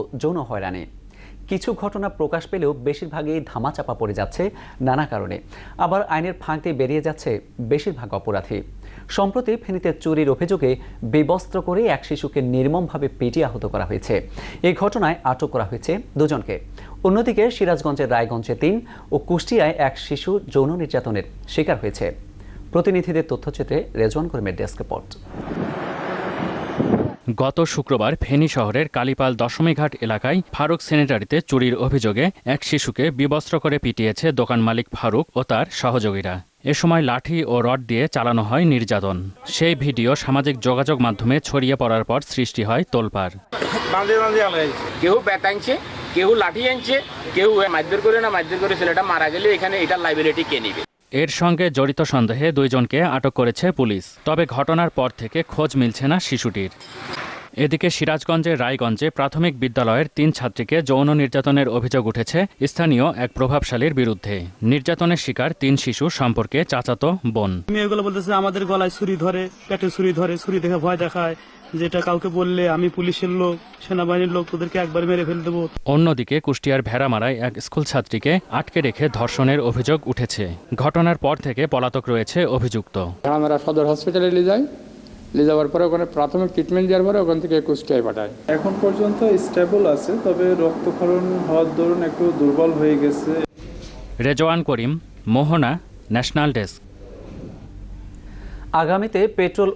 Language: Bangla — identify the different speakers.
Speaker 1: যৌন হয়রানি। কিছু ঘটনা প্রকাশ পেলেও বেশিরভাগই ধামাচাপা পড়ে যাচ্ছে নানা কারণে, আবার আইনের ফাঁক দিয়ে বেরিয়ে যাচ্ছে বেশিরভাগ অপরাধী। সম্প্রতি ফেনীতে চুরির অভিযোগে বিবস্ত্র করে এক শিশুকে নির্মমভাবে পিটিয়ে আহত করা হয়েছে। এই ঘটনায় আটক করা হয়েছে দুজনকে। অন্যদিকে সিরাজগঞ্জের রায়গঞ্জে ৩ ও কুষ্টিয়ায় এক শিশু যৌন নির্যাতনের শিকার হয়েছে। প্রতিনিধিদের তথ্যচিত্রে রেজওয়ান করিমের ডেস্ক রিপোর্ট।
Speaker 2: গত শুক্রবার ফেনী শহরের কালীপাল দশমীঘাট এলাকায় ফারুক স্যানিটারিতে চুরির অভিযোগে এক শিশুকে বিবস্ত্র করে পিটিয়েছে দোকান মালিক ফারুক ও তার সহযোগীরা। এ সময় লাঠি ও রড দিয়ে চালানো হয় নির্যাতন। সেই ভিডিও সামাজিক যোগাযোগ মাধ্যমে ছড়িয়ে পড়ার পর সৃষ্টি হয় তোলপাড়।
Speaker 3: কেউ ব্যাট আনছে, কেউ লাঠি আনছে, কেউ মারধর করে না মারধর করে ছেলেটা মারা গেলে এখানে এটার লাইবিলিটি কে নিবে?
Speaker 2: এর সঙ্গে জড়িত সন্দেহে দুইজনকে আটক করেছে পুলিশ। তবে ঘটনার পর থেকে খোঁজ মিলছে না শিশুটির। এদিকে সিরাজগঞ্জের রায়গঞ্জে প্রাথমিক বিদ্যালয়ের ৩ ছাত্রীকে যৌন নির্যাতনের অভিযোগ উঠেছে স্থানীয় এক প্রভাবশালীর বিরুদ্ধে। নির্যাতনের শিকার ৩ শিশু সম্পর্কে চাচাতো বোন।
Speaker 4: মেয়েগুলো বলতেছে আমাদের গলায় ছুরি ধরে, পেটে ছুরি ধরে, ছুরি দেখে ভয় দেখায়, যেটা কাউকে বললে আমি পুলিশের লোক, সেনাবাহিনীর লোক, তোদেরকে একবার মেরে ফেলে দেবো।
Speaker 2: অন্যদিকে কুষ্টিয়ার ভেড়ামারায় এক স্কুল ছাত্রীকে আটকে রেখে ধর্ষণের অভিযোগ উঠেছে। ঘটনার পর থেকে পলাতক রয়েছে অভিযুক্ত।
Speaker 5: আমরা সদর হসপিটালে নিয়ে যাই, নিয়ে যাওয়ার পরে ওখানে প্রাথমিক ট্রিটমেন্ট দেওয়ার পরে ওখান থেকে কুষ্টিয়ায় পাঠায়।
Speaker 6: এখন পর্যন্ত স্টেবল আছে, তবে রক্তক্ষরণ হওয়ার দরুন একটু দুর্বল হয়ে গেছে।
Speaker 2: Rezwan Karim, Mohona, national desk.
Speaker 1: আগামীতে পেট্রোল